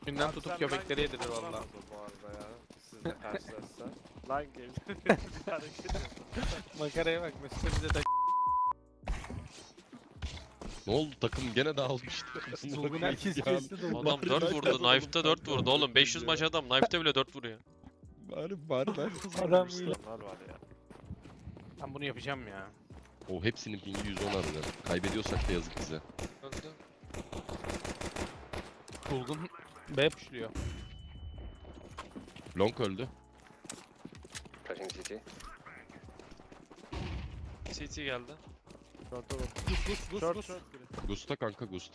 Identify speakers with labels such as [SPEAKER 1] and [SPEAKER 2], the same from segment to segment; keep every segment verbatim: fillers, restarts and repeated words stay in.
[SPEAKER 1] Günden
[SPEAKER 2] Abi
[SPEAKER 1] tutup
[SPEAKER 2] sen
[SPEAKER 1] köpekleri
[SPEAKER 2] line
[SPEAKER 1] yedirir
[SPEAKER 2] game
[SPEAKER 1] valla.
[SPEAKER 2] oynamaz o bu arada ya. Sizle karşılaşsa. Line game. Bir hareket yapın.
[SPEAKER 1] Makaraya bak Mesut'a bize de
[SPEAKER 3] Ne oldu, takım gene dağılmıştı.
[SPEAKER 1] Dolgun herkes kesti Dolgun.
[SPEAKER 4] Adam dört vurdu, Knife'da dört vurdu oğlum. beş yüz maç adam, Knife'da bile dört vuruyor.
[SPEAKER 3] Bari bari ben
[SPEAKER 1] Adam
[SPEAKER 3] kazanmıştım.
[SPEAKER 1] iyi.
[SPEAKER 2] Bunlar var ya.
[SPEAKER 1] Ben bunu yapacağım ya.
[SPEAKER 3] O hepsinin pingi yüz on arada. Kaybediyorsak da yazık bize.
[SPEAKER 4] Öldü.
[SPEAKER 1] Dolgun B pushluyor.
[SPEAKER 3] Long öldü.
[SPEAKER 5] Flashing C T.
[SPEAKER 4] C T geldi.
[SPEAKER 2] Short'a bak.
[SPEAKER 1] Gus gus gus
[SPEAKER 2] Short
[SPEAKER 1] gus.
[SPEAKER 2] short biri.
[SPEAKER 3] Gusta kanka, Gusta.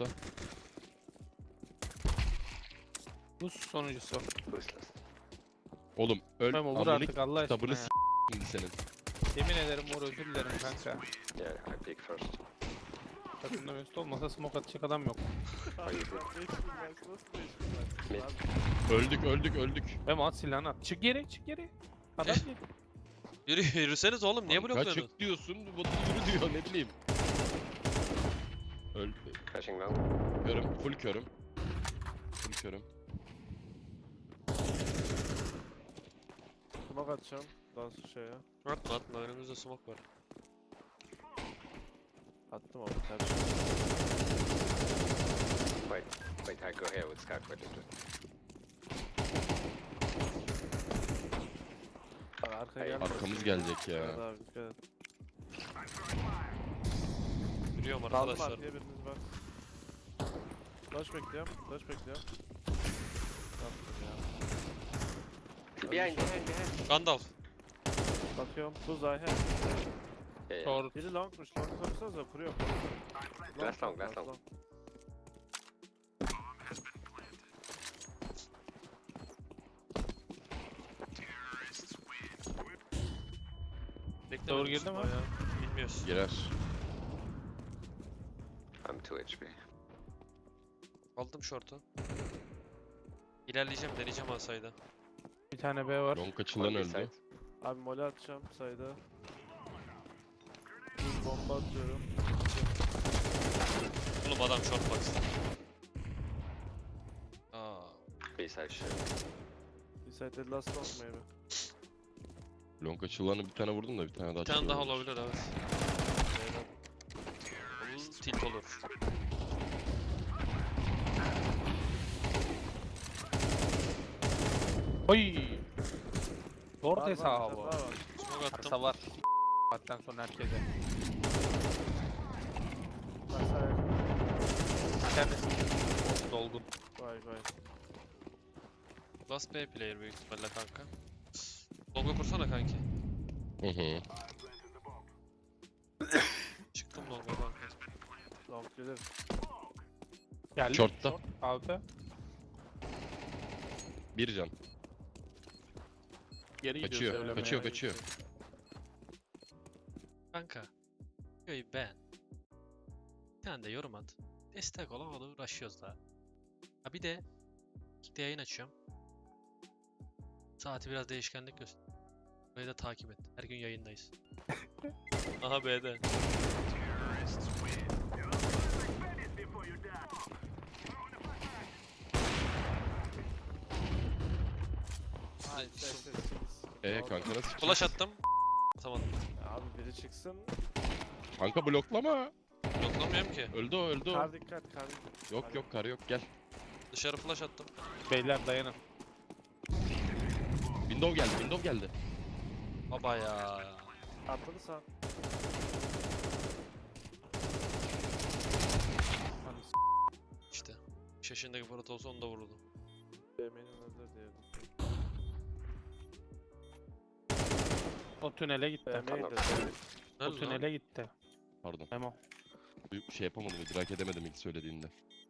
[SPEAKER 1] Gus sonuncusu.
[SPEAKER 5] Boostless.
[SPEAKER 3] Oğlum öl.
[SPEAKER 1] Memo vur
[SPEAKER 3] Amını
[SPEAKER 1] artık Allah aşkına
[SPEAKER 3] kitabını
[SPEAKER 1] ya.
[SPEAKER 3] s*** şimdi senin.
[SPEAKER 1] Yemin ederim vur özür dilerim kanka.
[SPEAKER 5] Yeah, I peek first.
[SPEAKER 1] Takımda Mesut olmasa smoke atacak adam yok.
[SPEAKER 2] Abi sen beş bin maç nasıl beş bin maç?
[SPEAKER 5] Mid.
[SPEAKER 2] Abi,
[SPEAKER 3] Öldük öldük öldük.
[SPEAKER 1] Memo at silahını at. Çık geri çık geri. Adam
[SPEAKER 4] Eh.
[SPEAKER 1] gel.
[SPEAKER 4] Yürü, yürüseniz oğlum, niye
[SPEAKER 3] Kanka
[SPEAKER 4] blokluyorsunuz?
[SPEAKER 3] çık diyorsun, bu da yürü diyor, ne bileyim. Öldü.
[SPEAKER 5] Flashing long.
[SPEAKER 3] Körüm, full körüm. Full körüm.
[SPEAKER 2] smoke atacağım. Dans şeye.
[SPEAKER 4] Atma atma, önümüzde smoke var.
[SPEAKER 2] Attım ama ters.
[SPEAKER 5] Wait, wait, I go here with Scout. Wait, wait, wait.
[SPEAKER 2] Abi arkaya
[SPEAKER 5] Hey,
[SPEAKER 2] gelme.
[SPEAKER 3] Arkamız gelecek ya.
[SPEAKER 2] Evet abi dikkat et.
[SPEAKER 4] Yürüyorum
[SPEAKER 2] Daldım
[SPEAKER 4] arkadaşlar.
[SPEAKER 2] arkaya biriniz var. Flash bekliyorum. Flash bekliyorum. Yaptım ya.
[SPEAKER 5] Behind, behind, behind.
[SPEAKER 4] Gandalf.
[SPEAKER 2] Bakıyorum. Buz I have.
[SPEAKER 5] Yeah, yeah.
[SPEAKER 1] Short.
[SPEAKER 2] Biri longmuş. Long sorsanıza kuruyor.
[SPEAKER 5] Last long, last long.
[SPEAKER 4] Bekle.
[SPEAKER 1] Doğru girdi mi?
[SPEAKER 4] Bilmiyoruz.
[SPEAKER 3] Girer.
[SPEAKER 5] I'm two H P.
[SPEAKER 4] Aldım short'u. İlerleyeceğim, deneyeceğim asayda.
[SPEAKER 1] Bir tane B var.
[SPEAKER 3] Long açılan
[SPEAKER 5] One B
[SPEAKER 3] öldü.
[SPEAKER 5] side.
[SPEAKER 2] Abi mole atacağım sayda. Buz bomba atıyorum.
[SPEAKER 4] Oğlum adam short box. Aa.
[SPEAKER 5] B side shit.
[SPEAKER 2] Inside last long maybe.
[SPEAKER 3] Long açılanı bir tane vurdum da bir tane daha
[SPEAKER 4] Bir tane daha
[SPEAKER 3] açılan
[SPEAKER 4] olabilir, evet. Bu tilt olur.
[SPEAKER 1] Oy. Short
[SPEAKER 2] Var, var,
[SPEAKER 1] hesabı.
[SPEAKER 2] bir tane daha var.
[SPEAKER 4] Smoke attım.
[SPEAKER 1] Arsa var. Hatten sonra herkese.
[SPEAKER 2] Bak sağ yakın.
[SPEAKER 1] Bir tanesi dolgun.
[SPEAKER 2] Vay vay.
[SPEAKER 4] Last B player büyük ihtimalle kanka. Longa kursana kanki.
[SPEAKER 3] Hı hı.
[SPEAKER 4] Çıktım longa kanka.
[SPEAKER 2] Long gelir.
[SPEAKER 1] Geldi.
[SPEAKER 3] Short'ta.
[SPEAKER 1] Altı.
[SPEAKER 3] Bir can.
[SPEAKER 1] Geri gidiyor
[SPEAKER 3] Kaçıyor,
[SPEAKER 1] söylemeye.
[SPEAKER 3] kaçıyor, kaçıyor.
[SPEAKER 4] Kanka. Videoyu beğen. Bir tane de yorum at. Destek ol, hadi uğraşıyoruz daha. Ha bir de Kick'te yayın açıyorum. Saati biraz değişkenlik göster. Burayı da takip et. Her gün yayındayız. Aha B'de.
[SPEAKER 2] Ay sessiz.
[SPEAKER 3] Eee kanka nasıl çıkacak?
[SPEAKER 4] Flash attım. Atamadım.
[SPEAKER 2] Abi biri çıksın.
[SPEAKER 3] Kanka bloklama.
[SPEAKER 4] Bloklamıyorum ki.
[SPEAKER 3] Öldü o, öldü o.
[SPEAKER 2] Kar dikkat kar dikkat.
[SPEAKER 3] Yok yok, kar yok, gel.
[SPEAKER 4] Dışarı flash attım.
[SPEAKER 1] Beyler dayanın.
[SPEAKER 3] Window geldi, window geldi.
[SPEAKER 4] Baba ya.
[SPEAKER 2] Atladı sağ.
[SPEAKER 1] Hani s-
[SPEAKER 4] İşte. beş yaşındaki Fırat olsa onu da vururdu.
[SPEAKER 2] B main'in hazır diyelim.
[SPEAKER 1] O tünele gitti.
[SPEAKER 2] B main de.
[SPEAKER 4] Nerede
[SPEAKER 1] O
[SPEAKER 4] lan?
[SPEAKER 1] tünele gitti.
[SPEAKER 3] Pardon.
[SPEAKER 1] Memo.
[SPEAKER 3] Bir şey yapamadım, idrak edemedim ilk söylediğinde.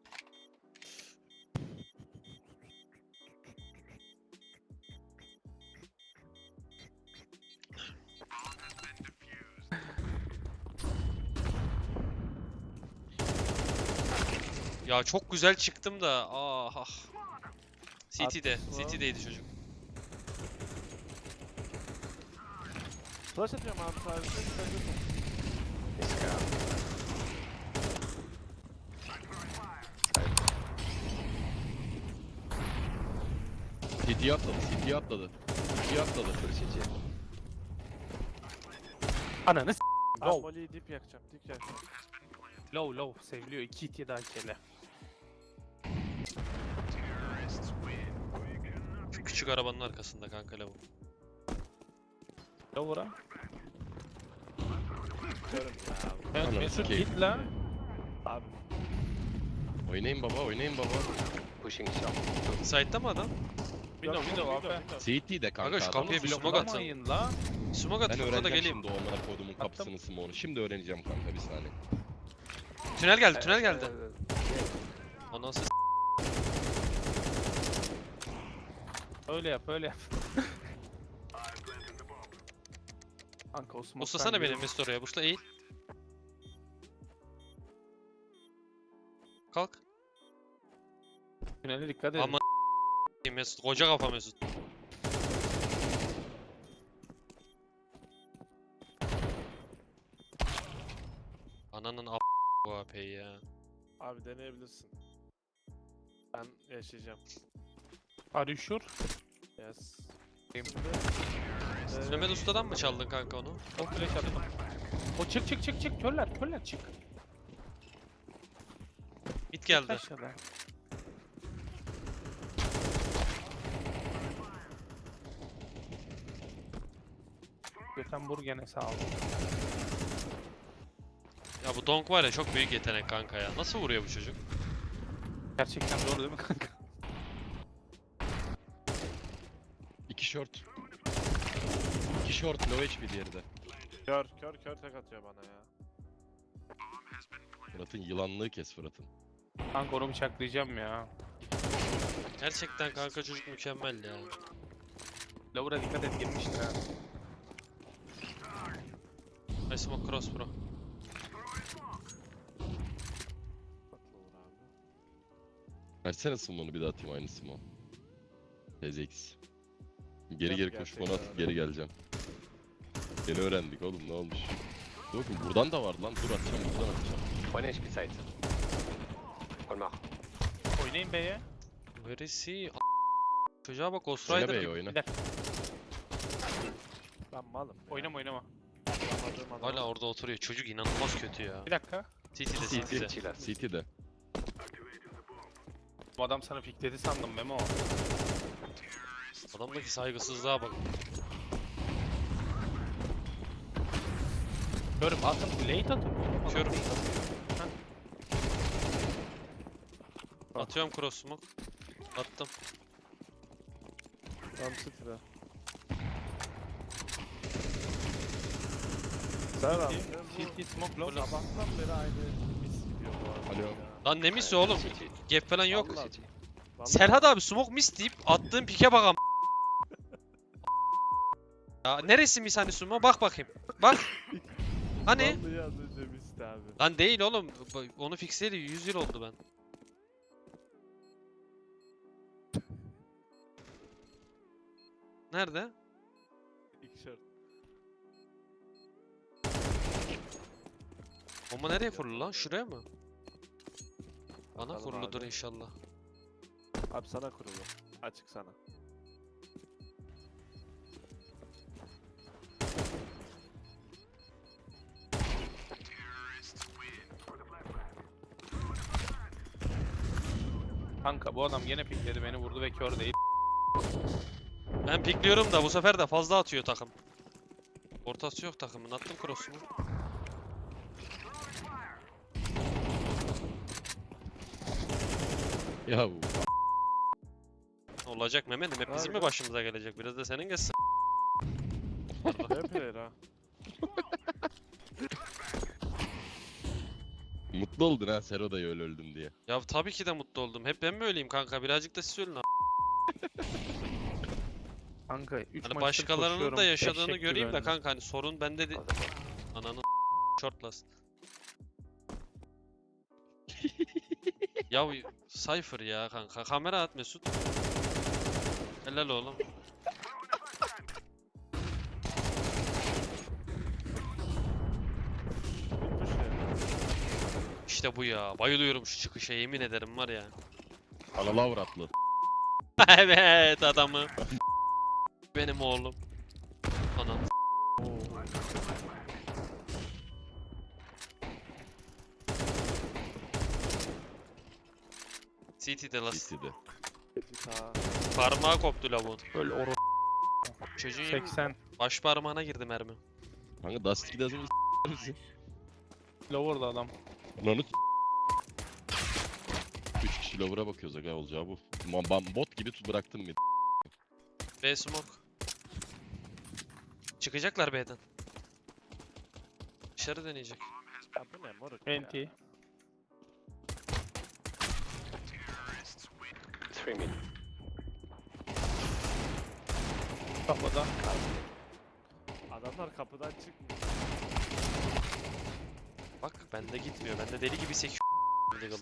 [SPEAKER 4] Ya çok güzel çıktım da. Ah ah. C T'de.
[SPEAKER 2] Atmış mı?
[SPEAKER 4] C T'deydi çocuk.
[SPEAKER 2] Flash atıyorum abi sadece.
[SPEAKER 5] Scout.
[SPEAKER 3] C T'ye atladı, C T'ye atladı. C T'ye atladı.
[SPEAKER 5] Full C T.
[SPEAKER 1] Ananı s***.
[SPEAKER 2] Abi
[SPEAKER 1] Low.
[SPEAKER 2] Molly'yi dip yakacağım. Dip yakacağım.
[SPEAKER 1] Low low. Seviliyor. iki hit yedi hakele.
[SPEAKER 4] Şu küçük arabanın arkasında kanka lavuk.
[SPEAKER 1] Lower'a.
[SPEAKER 2] Körüm ya.
[SPEAKER 1] Evet
[SPEAKER 3] Ananı
[SPEAKER 1] Mesut
[SPEAKER 3] sikeyim.
[SPEAKER 1] git la.
[SPEAKER 2] Abi.
[SPEAKER 3] Oynayın baba, oynayın baba.
[SPEAKER 5] Pushing shop.
[SPEAKER 4] Side'da mı adam?
[SPEAKER 1] Window window abi.
[SPEAKER 3] C T'de kanka.
[SPEAKER 4] Aga şu
[SPEAKER 3] adam.
[SPEAKER 4] kapıya bir smoke
[SPEAKER 1] Bloklamayın
[SPEAKER 4] atın.
[SPEAKER 1] la.
[SPEAKER 4] Smoke at
[SPEAKER 3] Ben
[SPEAKER 4] kapıda da
[SPEAKER 3] öğreneceğim
[SPEAKER 4] geleyim.
[SPEAKER 3] şimdi o amına koyduğumun kapısını smoke'unu. Şimdi öğreneceğim kanka bir saniye.
[SPEAKER 4] Tünel geldi, tünel geldi.
[SPEAKER 1] Evet,
[SPEAKER 4] Anası s-
[SPEAKER 1] öyle yap öyle yap. Kanka o smoke'tan
[SPEAKER 4] Buslasana beni
[SPEAKER 1] geliyor.
[SPEAKER 4] Mesut oraya. Busla eğil. Kalk.
[SPEAKER 1] Tünele dikkat edin.
[SPEAKER 4] Ama Mesut. Koca kafa Mesut. Ananın a** bu A P'yi ya.
[SPEAKER 2] Abi deneyebilirsin. Ben yaşayacağım.
[SPEAKER 1] Are you sure?
[SPEAKER 2] Yes.
[SPEAKER 1] Game.
[SPEAKER 2] Şimdi,
[SPEAKER 4] Mehmet Usta'dan mı çaldın kanka onu?
[SPEAKER 1] O flash attım. O çık çık çık çık. Körler körler çık.
[SPEAKER 4] Mid geldi.
[SPEAKER 1] Aşağıda. Gökhan gene sağ ol.
[SPEAKER 4] Ya bu Donk var ya çok büyük yetenek kanka ya. Nasıl vuruyor bu çocuk?
[SPEAKER 1] Gerçekten doğru değil mi kanka?
[SPEAKER 3] İki short. İki short, low H P diğeri de.
[SPEAKER 2] Kör kör kör tek atıyor bana ya.
[SPEAKER 3] Fırat'ın yılanlığı kes Fırat'ın.
[SPEAKER 1] Kanka onu bıçaklayacağım ya.
[SPEAKER 4] Gerçekten kanka çocuk mükemmel ya.
[SPEAKER 1] Lower'a dikkat et girmiştir ha.
[SPEAKER 4] I smoke cross bro.
[SPEAKER 2] Tatlı olur abi.
[SPEAKER 3] Versene smoke'unu bir daha atayım aynı smoke. T Z X. Geri
[SPEAKER 2] Yap
[SPEAKER 3] geri koşup onu
[SPEAKER 2] gerçekten
[SPEAKER 3] atıp geri geleceğim. Yeni öğrendik oğlum ne olmuş. Bakın buradan da var lan dur atacağım buradan atacağım.
[SPEAKER 5] One H P side. One more.
[SPEAKER 1] Oynayın B'ye.
[SPEAKER 4] Where is he? A- Çocuğa bak Ghost
[SPEAKER 3] Oyna
[SPEAKER 4] Rider.
[SPEAKER 3] B'ye oyna.
[SPEAKER 1] Bir dakika.
[SPEAKER 2] Ben malım. ya.
[SPEAKER 1] Oynama oynama.
[SPEAKER 2] Yapamadığım adama-
[SPEAKER 4] Hala orada oturuyor. Çocuk inanılmaz kötü ya.
[SPEAKER 1] Bir dakika.
[SPEAKER 4] C T'de
[SPEAKER 3] C
[SPEAKER 4] C
[SPEAKER 3] T.
[SPEAKER 4] T'de.
[SPEAKER 5] Chill out.
[SPEAKER 3] C T'de.
[SPEAKER 1] Bu adam sana pikledi sandım Memo.
[SPEAKER 4] Adamdaki saygısızlığa bak.
[SPEAKER 1] Görüm atın. Late atın.
[SPEAKER 4] Körüm. Atıyorum cross smoke. Attım.
[SPEAKER 2] Tam sıfıra. Sen abi.
[SPEAKER 1] C T smoke
[SPEAKER 2] Bu
[SPEAKER 1] low.
[SPEAKER 2] sabahtan beri aynı mis gidiyor bu arada.
[SPEAKER 3] Alo.
[SPEAKER 2] ya.
[SPEAKER 4] Lan ne misi oğlum?
[SPEAKER 5] C T.
[SPEAKER 4] Gap falan yok.
[SPEAKER 5] Full C T.
[SPEAKER 2] Vallahi
[SPEAKER 4] Serhat abi smoke mis deyip attığın pike bak am- Ya neresi mis hani smoke? Bak bakayım. Bak. Hani?
[SPEAKER 2] Vallahi az önce misti abi.
[SPEAKER 4] Lan değil oğlum. Bu- Onu fixleyeli yüz yıl oldu ben. Nerede?
[SPEAKER 2] İlk şart.
[SPEAKER 4] Bomba nereye kurulu lan? Şuraya mı? Bana
[SPEAKER 2] Bakalım
[SPEAKER 4] kuruludur
[SPEAKER 2] abi.
[SPEAKER 4] inşallah.
[SPEAKER 2] Abi sana kurulu. Açık sana.
[SPEAKER 1] Kanka bu adam yine pikledi beni vurdu ve kör değil.
[SPEAKER 4] Ben pikliyorum da bu sefer de fazla atıyor takım. Ortası yok takımın. Attım cross'umu.
[SPEAKER 3] Ya bu.
[SPEAKER 4] Olacak Mehmet'im. Hep bizim mi
[SPEAKER 2] Abi.
[SPEAKER 4] başımıza gelecek? Biraz da senin gelsin.
[SPEAKER 2] Ne player ha?
[SPEAKER 3] Mutlu oldun ha Sero da öyle öldüm diye.
[SPEAKER 4] Ya tabii ki de mutlu oldum. Hep ben mi öyleyim kanka? Birazcık da siz ölün.
[SPEAKER 1] Kanka üç
[SPEAKER 4] Hani
[SPEAKER 1] maçtır
[SPEAKER 4] başkalarının
[SPEAKER 1] koşuyorum,
[SPEAKER 4] da yaşadığını
[SPEAKER 1] eşek gibi
[SPEAKER 4] göreyim de
[SPEAKER 1] önde.
[SPEAKER 4] kanka hani sorun bende de... Ananı shortlast. Ya Cypher ya kanka. Kamera at Mesut. Helal oğlum.
[SPEAKER 2] Bitmiş ya.
[SPEAKER 4] İşte bu ya. Bayılıyorum şu çıkışa yemin ederim var ya.
[SPEAKER 3] Analı avratlı.
[SPEAKER 4] Evet adamı. Benim oğlum. Anam. C T'de las.
[SPEAKER 3] City'de.
[SPEAKER 2] Ha.
[SPEAKER 4] Parmağı koptu lavuğun.
[SPEAKER 1] Öyle oru
[SPEAKER 4] Çocuğun yemin-
[SPEAKER 1] seksen.
[SPEAKER 4] baş parmağına girdi mermi.
[SPEAKER 3] Kanka Dust ikide az önce s***misin.
[SPEAKER 1] Lower'da adam.
[SPEAKER 3] Lan üç kişi lower'a bakıyoruz aga olacağı bu. Ma- Ben bot gibi tut bıraktım mid.
[SPEAKER 4] B smoke. Çıkacaklar B'den. Dışarı deneyecek.
[SPEAKER 2] Ya bu ne moruk ya?
[SPEAKER 1] Enti.
[SPEAKER 5] Three mid.
[SPEAKER 1] Kafada.
[SPEAKER 2] Adamlar kapıdan çıkmıyor.
[SPEAKER 4] Bak bende gitmiyor. Bende deli gibi sekiyor. Legal'ı.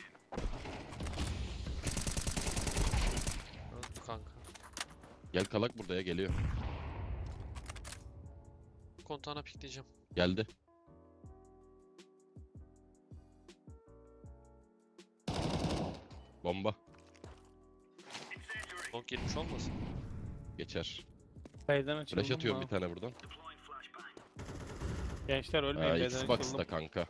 [SPEAKER 4] Öldü kanka.
[SPEAKER 3] Gel kalak burada ya geliyor.
[SPEAKER 4] Kontağına pikleyeceğim.
[SPEAKER 3] Geldi. Bomba.
[SPEAKER 4] Long girmiş olmasın?
[SPEAKER 3] Geçer.
[SPEAKER 1] B'den açıldım.
[SPEAKER 3] Flash atıyorum
[SPEAKER 1] ha.
[SPEAKER 3] bir tane buradan.
[SPEAKER 1] Gençler ölmeyin.
[SPEAKER 3] Aa,
[SPEAKER 1] B'den
[SPEAKER 3] Xbox'ta
[SPEAKER 1] açıldım.
[SPEAKER 3] kanka.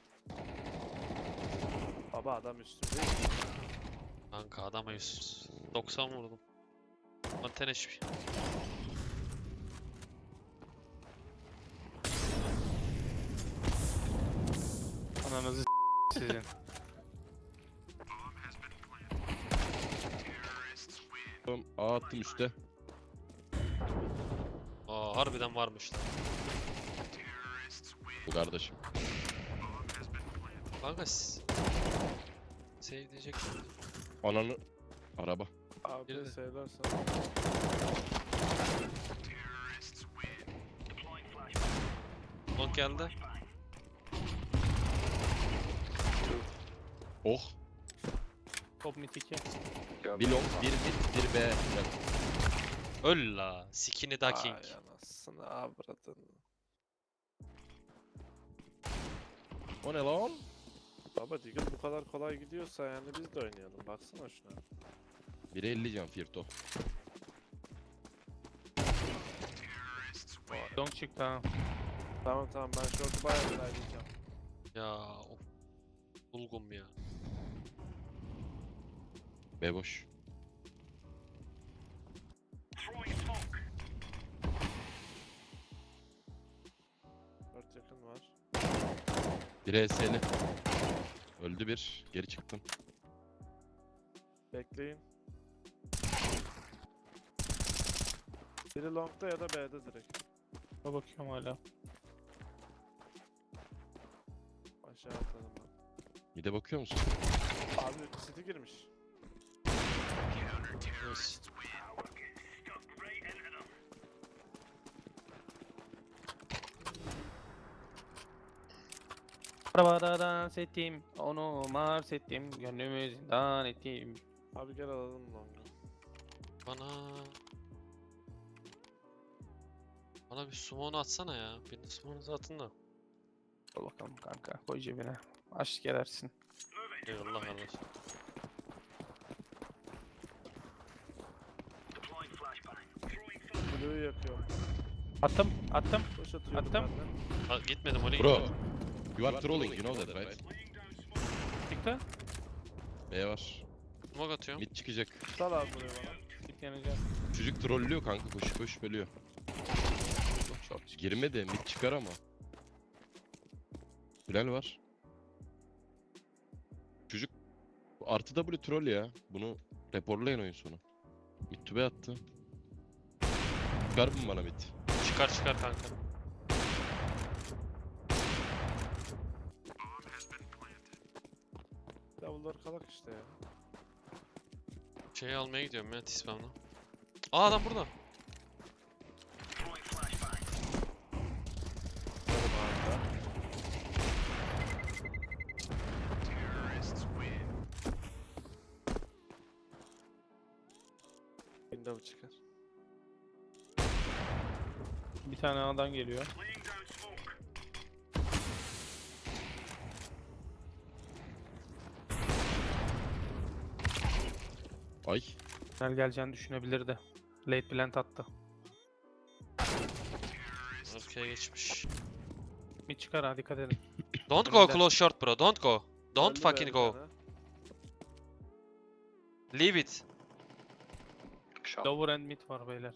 [SPEAKER 2] Baba adam üstünde.
[SPEAKER 4] Kanka adama yüz doksan vurdum. Anten H P.
[SPEAKER 1] Ananızı s- sizin.
[SPEAKER 3] Tamam, A attım üstte.
[SPEAKER 4] Aa harbiden varmış lan.
[SPEAKER 3] Bu kardeşim.
[SPEAKER 4] Kanka s- Save diyecek.
[SPEAKER 3] Ananı. Araba.
[SPEAKER 2] Abi
[SPEAKER 4] Girdi.
[SPEAKER 2] söylersen.
[SPEAKER 4] Long geldi.
[SPEAKER 3] Oh.
[SPEAKER 1] Top mid iki.
[SPEAKER 5] You're
[SPEAKER 3] Bir
[SPEAKER 5] mid.
[SPEAKER 3] long, bir mid, bir B. Gel.
[SPEAKER 4] Öl la. Skinny da king.
[SPEAKER 2] Ay anasını avradın.
[SPEAKER 3] O ne lan?
[SPEAKER 2] Baba Deagle bu kadar kolay gidiyorsa yani biz de oynayalım. Baksana şuna.
[SPEAKER 3] biri elli can Firto.
[SPEAKER 1] Long çıktı ha.
[SPEAKER 2] Tamam tamam ben short'u bayağı ilerleyeceğim.
[SPEAKER 4] Ya of. Bulgum ya.
[SPEAKER 3] B boş.
[SPEAKER 2] Short yakın var.
[SPEAKER 3] Biri E S'li. Öldü bir. Geri çıktım.
[SPEAKER 2] Bekleyin. Biri long'da ya da B'de direkt.
[SPEAKER 1] Buna bakıyorum hala.
[SPEAKER 2] Aşağı atladım ben.
[SPEAKER 3] Mide bakıyor musun?
[SPEAKER 2] Abi City girmiş.
[SPEAKER 4] Yes.
[SPEAKER 1] Arabada dans ettim. Onu mars ettim. Gönlümü zindan ettim.
[SPEAKER 2] Abi gel alalım long'u.
[SPEAKER 4] Bana... Bana bir summon atsana ya. Bir de summon'u atın da.
[SPEAKER 1] Dur bakalım kanka. Koy cebine. Aşk edersin.
[SPEAKER 4] Eyvallah kardeş.
[SPEAKER 2] Blue'yu yakıyorum.
[SPEAKER 1] Attım. Attım.
[SPEAKER 2] Boş atıyorum
[SPEAKER 1] Attım.
[SPEAKER 2] benden.
[SPEAKER 4] Ha, gitmedim oraya
[SPEAKER 3] Bro.
[SPEAKER 4] gitmedim.
[SPEAKER 3] You are trolling, you know that right?
[SPEAKER 1] Çıktı.
[SPEAKER 3] B var.
[SPEAKER 4] Smoke atıyorum.
[SPEAKER 3] Mid çıkacak.
[SPEAKER 2] Sal abi buraya bana.
[SPEAKER 1] Çık yanacak.
[SPEAKER 3] Çocuk trollüyor kanka. Koşu koşu bölüyor.
[SPEAKER 1] Çok short çıktı.
[SPEAKER 3] Girme de mid çıkar ama. Bilal var. Çocuk artı W troll ya. Bunu raporlayın oyun sonu. Mid to B attı. Çıkar mı bana mid?
[SPEAKER 4] Çıkar çıkar kanka.
[SPEAKER 2] Davullar kalak işte ya.
[SPEAKER 4] Şeyi almaya gidiyorum ya T-spam'la. Aa adam burada.
[SPEAKER 2] Yarım ağızda. Window çıkar.
[SPEAKER 1] Bir tane A'dan geliyor.
[SPEAKER 3] Ay.
[SPEAKER 1] Tünel geleceğini düşünebilirdi. Late plant attı.
[SPEAKER 4] Arkaya geçmiş.
[SPEAKER 1] Mid çıkar ha, dikkat edin.
[SPEAKER 4] Don't go
[SPEAKER 1] Önünde.
[SPEAKER 4] close short bro. Don't go. Don't
[SPEAKER 2] Öldü be
[SPEAKER 4] fucking
[SPEAKER 2] bir
[SPEAKER 4] go.
[SPEAKER 2] tane.
[SPEAKER 4] Leave it.
[SPEAKER 5] Short.
[SPEAKER 1] Lower end mid var beyler.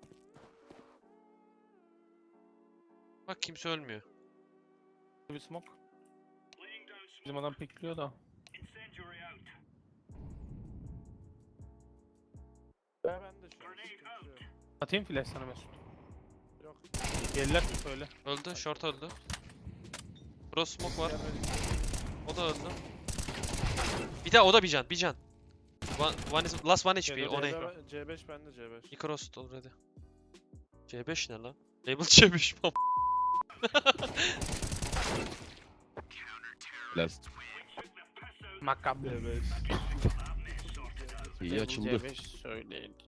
[SPEAKER 4] Bak kimse ölmüyor.
[SPEAKER 1] Bir smoke. Bizim adam pikliyor da.
[SPEAKER 2] Be ben de şu an sıkıntı yok.
[SPEAKER 1] Atayım flash sana Mesut.
[SPEAKER 2] Yok.
[SPEAKER 1] Gelirler mi söyle.
[SPEAKER 4] Öldü. Short öldü. Bro smoke var.
[SPEAKER 2] Gelmedi.
[SPEAKER 4] O da öldü. Bir daha o da bir can. Bir can. One, one is, last one H P.
[SPEAKER 1] Geliyor,
[SPEAKER 4] O ne?
[SPEAKER 1] geliyor.
[SPEAKER 2] C beş bende C beş.
[SPEAKER 4] İki crossed already. C beş ne lan? Label C beş.
[SPEAKER 3] Last.
[SPEAKER 1] Makablı.
[SPEAKER 2] C beş.
[SPEAKER 3] İyi açıldı.
[SPEAKER 1] C beş söyleyin.